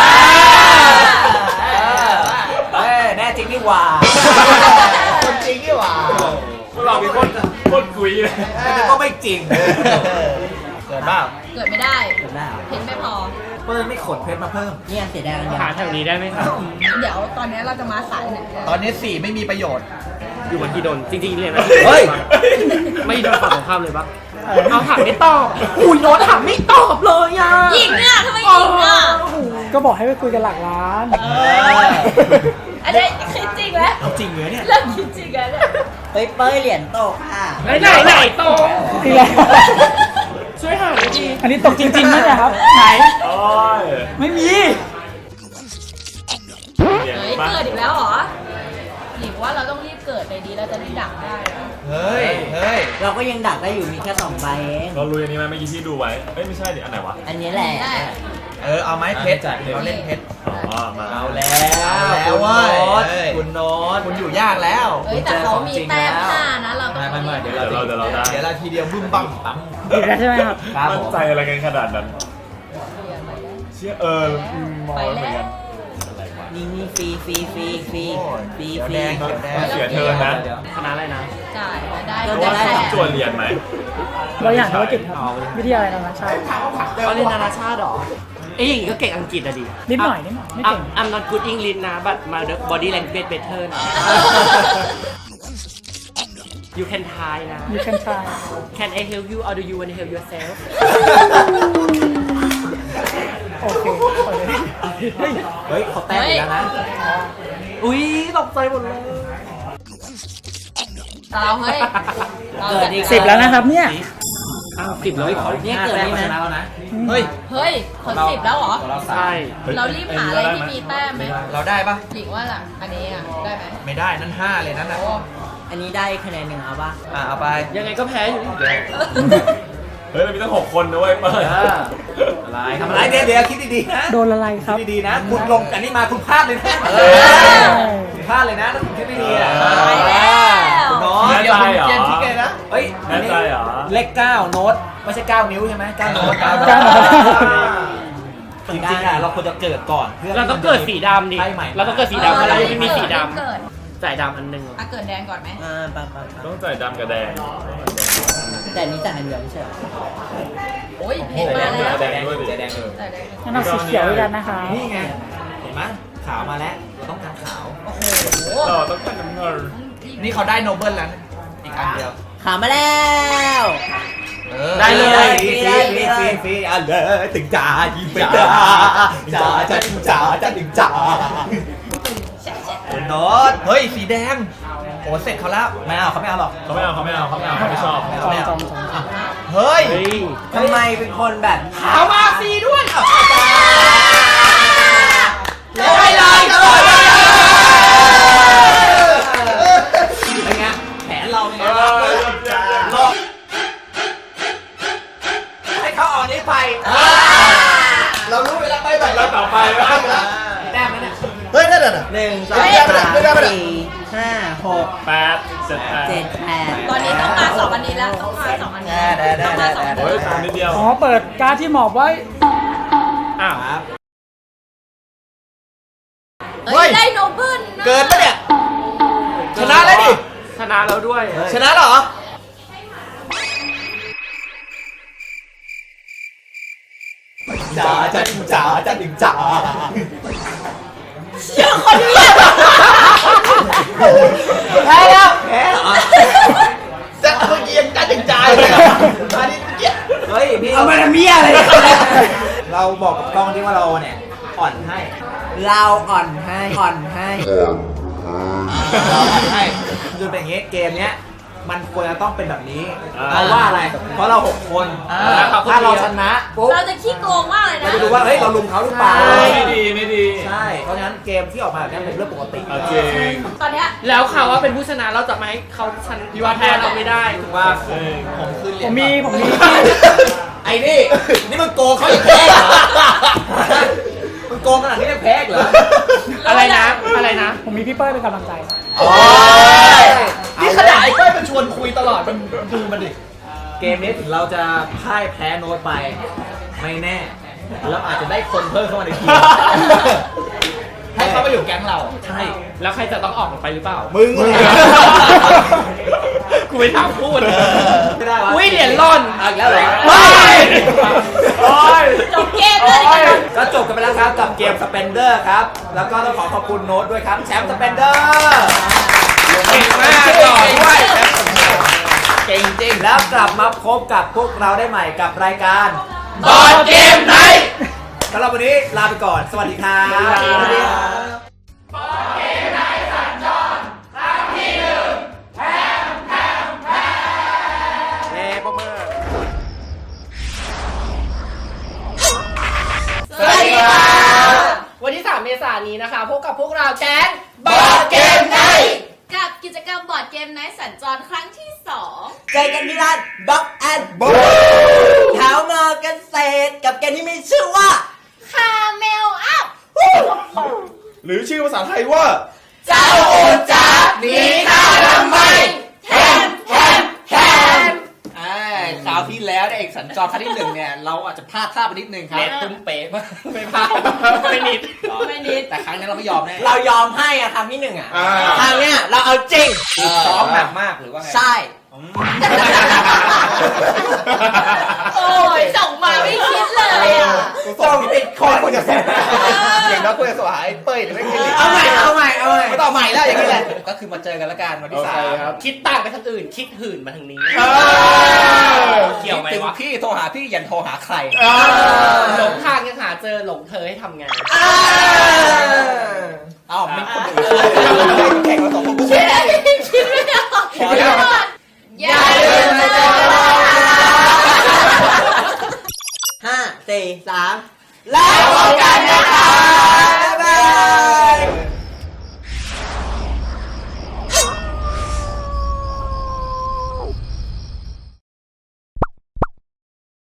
Speaker 9: เออแน่จริงนี่หว่า
Speaker 8: คนจริงนี่หว่า
Speaker 4: เราเป็นคนโคตรคุยเลย
Speaker 9: แต่ก็ไม่จริง
Speaker 8: เกิดบ้าง
Speaker 7: เกิดไม่ได้
Speaker 10: เก็บได้เหรอ
Speaker 7: เพนไม่พอ
Speaker 9: เปิ้ลไม่ขนเพชรมาเพิ่ม
Speaker 10: เนี่ยเสียดายกันเดียว
Speaker 3: หาแถวนี้ได้ไหมครับ
Speaker 7: เดี๋ยวตอนนี้เราจะมาสายไหน
Speaker 8: ตอนนี้สี่ไม่มีประโยชน์
Speaker 3: อยู่บนที่โดนจริงๆเรียนนะ
Speaker 9: เฮ้ย
Speaker 3: ไม่โดนฝั่งตรงข้ามเลยปะเอาถามไม่ตอบอุ้ยโน้ตถามไม่ตอบเลยอ่ะ
Speaker 7: หญิงอ่ะทำไมหญิงอ่ะ
Speaker 5: ก็บอกให้ไปคุยกันหลังร้าน
Speaker 7: เอออันนี้คิดจริงแล้ว
Speaker 9: เอาจริงเหรอเนี่ย
Speaker 7: เริ่มคิดจริงแล้วเนี่ย
Speaker 10: เฮ้ยเป้ยเหรียญตกค่ะ
Speaker 3: ไหนไหนไหนโต
Speaker 5: ทีแล้ว
Speaker 3: ช่วยหาหน่อยดิ
Speaker 5: อันนี้ตกจริงๆไหมเนี่ยครับ ไหน
Speaker 4: โอ้ย
Speaker 5: ไม่มี
Speaker 4: เดี๋ยว
Speaker 7: เฮ้ย
Speaker 4: มา
Speaker 7: เกิดอีกแล้วเหรอหญิงว่าเราต้องรีบเกิดในดีเราจะได้ดักได้นะ
Speaker 8: เฮ้ย เฮ้ย
Speaker 10: เราก็ยังดักได้อยู่มีแค่สองใบเอง
Speaker 4: เราลุยอันนี้ไหมเมื่อกี้ที่ดูไว้ เอ้ยไม่ใช่ดิอันไหนวะ
Speaker 10: อันนี้แหละ
Speaker 7: ได้
Speaker 8: เออ เอาไม้เพชรเราเล่นเพชร
Speaker 4: อ๋อ มา
Speaker 9: เอาแล้ว
Speaker 8: เอาแล้ว
Speaker 9: คุณ
Speaker 8: เว้
Speaker 9: โน้
Speaker 8: ย
Speaker 9: ต
Speaker 8: เฮ้ย
Speaker 9: คุณโน้ต
Speaker 8: คุณอยู่ยากแล้ว
Speaker 7: เฮ้ยแต่เขามีแต้มห้านะเราต้อง
Speaker 9: ไม่ไม่ไม่เดี๋ยว
Speaker 4: เดี๋ยวเราเดี๋ยวเราได้
Speaker 8: เดี๋ยวเราทีเดียวบึ้มบั้มปั๊ม
Speaker 5: อีกแล้วใช่ไหมครับ
Speaker 9: ครับ
Speaker 4: มั่
Speaker 9: ผ
Speaker 4: น
Speaker 9: ม
Speaker 4: ใจอะไรกันขนาดนั้น เชี่ยเอออืมมอง
Speaker 7: ไป
Speaker 4: แล้วเหมือน
Speaker 7: แล้
Speaker 4: กั
Speaker 7: วน
Speaker 4: อะไรวะ
Speaker 10: นี่นี่ฟรีฟรีฟรีฟรีฟรี
Speaker 8: เขียว
Speaker 10: ฟรี
Speaker 8: แดงเขียวแดง
Speaker 4: เสียเทิร์นนะ
Speaker 3: คณะอะไรนะ
Speaker 7: จ่ายแล้วได้
Speaker 10: เรา
Speaker 4: เพราะ
Speaker 10: จะ
Speaker 4: ว่า
Speaker 10: ได้
Speaker 4: ต้องจวนเหรียญไหม
Speaker 5: เราอยากธุรกิจครับ วิทยาลัยนานาชาติ
Speaker 3: เขาเรียนนานาชาติหรอ เอ้ยอย่างงี้ก็เก่งอังกฤษอะดิ
Speaker 5: นิดหน่อยนิดหน่อยไม่เก่ง
Speaker 3: I'm I'm not good English นะ but my body language better นะ You can try นะ
Speaker 5: You can try
Speaker 3: Can I help you or do you want to help yourself
Speaker 5: โอเคเปิดเลย
Speaker 9: เฮ้ยเขาแต้มอีกแล้วนะ
Speaker 3: อุ้ยตกใจหมดเลย
Speaker 7: เราเฮ้ยเรา
Speaker 10: เกิดอีก
Speaker 5: สิบแล้วนะครับเนี่ย
Speaker 3: อ้าวสิบแล้วอีกเหรอ
Speaker 10: เนี่ยเกิดนี่
Speaker 9: ช
Speaker 10: นะ
Speaker 9: นะแล้วนะ
Speaker 8: เฮ้ย
Speaker 7: เฮ้ยคนสิบแล้วเหรอ
Speaker 9: ของเราสา
Speaker 3: ใช่
Speaker 9: ม
Speaker 7: เรารีบหาอะไรที่มีแต้มไหม
Speaker 8: เราได้ปะ
Speaker 7: หญิงว่าล่ะอันนี้อ่ะได้ไหม
Speaker 8: ไม่ได้ นั่นห้าเลยนั่นน่ะ
Speaker 7: โอ้
Speaker 10: อันนี้ได้คะแนนหนึ่งเอาปะ
Speaker 8: อ่ะ เอาไป
Speaker 3: ยังไงก็แพ้อยู่ดี
Speaker 4: เฮ้ยเรามีตั้งหกคนนะเว้ยเปิด
Speaker 9: เอออะไรทำอะไรเดี๋ยวเดี๋ยวคิดดีๆนะ
Speaker 5: โดนอะไรครับ
Speaker 9: คิดดีๆนะ คุณลงอันนี้มาคุณพลาดเลยนะ
Speaker 8: เออ
Speaker 9: คุณพลาดเลยนะถ้าคุณคิดไม่ดีอ่ะ
Speaker 7: ไปแล้ว
Speaker 9: คุณโน้ต
Speaker 4: แน่ใจเหรอ
Speaker 8: เกมที่เกมนะ
Speaker 9: เฮ้ย
Speaker 4: แน่ใจเหรอ
Speaker 9: เลขเก้าโน้ตไม่ใช่เก้านิ้วใช่ไหมเก้าโน้ต
Speaker 8: เก้า
Speaker 5: เก้าโน้ต
Speaker 9: จริงๆอ่ะเราควรจะเกิดก่อนพื่
Speaker 3: เราต้องเกิดสีดำดิ
Speaker 9: ไพ่ใหม่
Speaker 3: เราต้องเกิดสีดำเพราะเรายังไม่มีสีด
Speaker 7: เกิด
Speaker 3: ำจ่ายดำอันหนึ่ง
Speaker 7: อ่ะเกิดแดงก่อนไหม
Speaker 10: อ่าปะปะปะ
Speaker 4: ต้องใส่ดำกับแดง
Speaker 10: แต่อันนี้แต่อันเดียวไม่ใช่เหรอ
Speaker 7: โอ้ยเพชรมาแล้ว
Speaker 4: แดงด้วยดิ
Speaker 6: ใจแดงเออ
Speaker 7: แต่ได้
Speaker 5: งั้นเอาสีเขียวด้วยกันนะคะ
Speaker 6: นี่ไงเห็นไหมขาวมาแล้วเราต้องการขาว
Speaker 4: ต่อต้องการน้ำเงิน
Speaker 6: นี่เขาได้โนเบิลแล้วนะอีกอันเดียว
Speaker 10: ขามาแล้ว
Speaker 6: ได้เลย
Speaker 10: ฟรี
Speaker 6: ฟ
Speaker 10: เล
Speaker 6: รี
Speaker 10: ย
Speaker 6: ฟรีฟรีฟรีอ่ะเลยถึงจ่ายิงไปจ่าจ่าจ่าถึงจ่าจ่าถึงจ่าโน้ตเฮ้ยสีแดงโอ้เสร็จเขาแล้วไม่เอาเขาไม่เอาหรอก
Speaker 4: เขาไม่เอาเขาไม่เอาเขาไม่เอาเขาไม่ชอบ
Speaker 6: ไม่เอาไม่เอา
Speaker 5: จอมจอมจอม
Speaker 6: เฮ้ย
Speaker 10: ทำไมเป็นคนแบบ
Speaker 6: ขาวมาฟรีด้วยอ่ะ
Speaker 10: แล้วให้เลย
Speaker 6: เป็นไงแผนเราเป็นไง
Speaker 4: เอ
Speaker 6: บ้าง
Speaker 4: อ
Speaker 6: หลอกให้เขาออกนี้ไปเรารู้เวลาไปแบบ
Speaker 4: แล้วต่อไปบ้าง
Speaker 6: แต้มแล้วเนี่ย
Speaker 9: เฮ้ยนั่นน่ะ
Speaker 10: หนึ่งสอง
Speaker 9: ไม่ได้ไม่ได้
Speaker 10: สาม
Speaker 9: ไม่ได้ไม่ได้
Speaker 10: สี่ห้าหก
Speaker 4: แปดเจ็ดแปด
Speaker 10: เจ็ดแปด
Speaker 7: ตอนนี้ต้องมาสองอันนี้แล้วต้องมาสองอันนี้ต้องมาสองอัน
Speaker 4: เฮ้ย
Speaker 7: นี้
Speaker 4: ตามนิดเดียว
Speaker 5: อ๋อเปิดการ์ดที่หมอบไว้
Speaker 4: อ้าว
Speaker 7: เฮ้ยได้โนเบิลนะ
Speaker 6: เกินปะเนี่ยชนะแล้วดิ
Speaker 3: ชนะแล้วด้วย
Speaker 6: ชนะเหรอจ๋าจ๋าจ๋าจ๋าดิงจ๋า
Speaker 7: เชื่อคนเนี้ย
Speaker 6: แพ้แล้วแพ้เหรอจะเมื่อกี้ยังจ๋าดิงจ๋าเลยอ่ะอันนี้เมื่อกี้เฮ้ยพี่
Speaker 10: เอามาทำเมียอะไร
Speaker 6: เราบอกกับกล้องที่ว่าเราเนี่ยอ่อนให้
Speaker 10: เราอ่อนให้อ่อนให้
Speaker 6: เราอ่อนให้คือเป็นอย่างงี้เกมเนี้ยมันควรจะต้องเป็นแบบนี้เพราะว่าอะไรเพราะเราหกคนถ้าเราชนะปุ๊บ
Speaker 7: เราจะขี้โกงมากเลย
Speaker 6: เรา
Speaker 7: นะ
Speaker 6: จะดูว่าเฮ้ยเราลุมเขาหรือเปล่า
Speaker 4: ไม่ดีไม่ดี
Speaker 6: ใช่ เพราะฉะนั้นเกมที่ออกมาแบบนี้เป็นเรื่องปกติ
Speaker 4: เอาจริง
Speaker 7: ตอนเนี้ย
Speaker 3: แล้วข่าวว่าเป็นผู้ชนะเราจะไม่ให้เขาชันพิวาแทนเราไม่ได้ถูกป่ะ
Speaker 4: เออ
Speaker 6: ผมคือเหรีย
Speaker 5: ผ
Speaker 6: ญ
Speaker 5: มมีผมมี
Speaker 6: ไอ้นี่ นี่มันโกงเขาอย่างแพ้เหรอมันโกงขนาดนี้ยังแพ้อีกเหรอ
Speaker 3: อะไรนะอะไรนะ
Speaker 5: ผมมีพี่เป้ยเป็นกำลังใจ
Speaker 6: โอ้ยนี่ขนาดไอ้ก้อยมันชวนคุยตลอดมันดูมันดิ เกมนี้ถึงเราจะพ่ายแพ้โน้ตไป ไม่แน่เราอาจจะได้คนเพิ่มเข้ามาในทีมให้เขามาอยู่แก๊งเรา ใช่
Speaker 3: แล้วใครจะต้องออกไปหรือเปล่า
Speaker 6: มึงเลย
Speaker 3: กูไปถามพูด
Speaker 6: ไม่ได้วะ
Speaker 3: อุ้ยเหรียญร่อน
Speaker 6: เอาอีกแล้วเหรอ
Speaker 3: ไม่
Speaker 6: โอ้ย
Speaker 7: จบเกมเลยดีกว่า
Speaker 6: ก็จบกันไปแล้วครับกับเกมสเปนเดอร์ครับ แล้วก็ต้องขอขอบคุณโน้ตด้วยครับแชมป์สเปนเดอร์
Speaker 3: เก่งมากต่อด้วย
Speaker 6: เก่งจริงแล้วกลับมาพบกับพวกเราได้ใหม่กับรายการ
Speaker 3: บอร์ดเกมไนท์
Speaker 6: สำหรับวันนี้ลาไปก่อน สวัสดีครับ
Speaker 3: สวัสดีครับ
Speaker 6: เอ้ปมมือ
Speaker 3: สวัสดีค่ะวันที่สามเมษายนนี้นะคะพบกับพวกเราแก๊งบอร์ดเกมไนท์
Speaker 7: กับกิจกรรมบอร์ดเกมไนท์สัญจรครั้งที่สอง
Speaker 10: เจอกันที่ร้านบ็อกแอนด์บูแถวมอเกษตรกับเกมที่มีชื่อว่า
Speaker 7: คาเมลอัพ
Speaker 9: หรือชื่อภาษาไทยว่า
Speaker 10: เจ้าโอจ๋าหนีข้าทำไมแทมแทมแทม
Speaker 6: คราวที่แล้วในเอกสัญจรครั้งที่หนึ่งเนี่ย เราอาจจะพลาดท่าไปนิดนึงครับ
Speaker 3: เน็ตตุ้มเป๊ะมากไม่พลาดไม่นิด
Speaker 7: ไม่นิด
Speaker 6: แต่ครั้งนี้เราไม่ยอมแน่
Speaker 10: เรายอมให้อะครั้งที่หนึ่งอะ
Speaker 9: อ่า
Speaker 10: ครั้งเนี้ยเราเอาจริง
Speaker 6: ซ้อมหนักมากหรือว่าไง
Speaker 10: ใช่
Speaker 7: โอ้ยส่งมาไม่คิดเลยอ่ะ
Speaker 6: ต้องผิดคนควรจะส่งอย่างน้อยควรจะส่งหาไอ้เป้ยแต่ไม่คิด
Speaker 10: เอาใหม่เอาใหม่เอาใหม่
Speaker 6: ไม่ต้องใหม่แล้วอย่างนี้แหละก็คือมาเจอกันละกันวันที่สาม
Speaker 3: คิดต่างไปทางอื่น คิดหื่นมาทางนี้ เกี่ยวไหม
Speaker 6: ถึง
Speaker 3: วะ
Speaker 6: พี่โทรหาพี่ยันโทรหาใคร
Speaker 3: หลงทางยังหาเจอหลงเธอให้ทำไง
Speaker 6: อ้าวไม่คนอื่นแข่งมาสองคนกู
Speaker 7: คิดคิดไม่ออกคิดไม่ออกอย่าลืมมาเจอกัน
Speaker 10: ห้าสี่สามแล้ว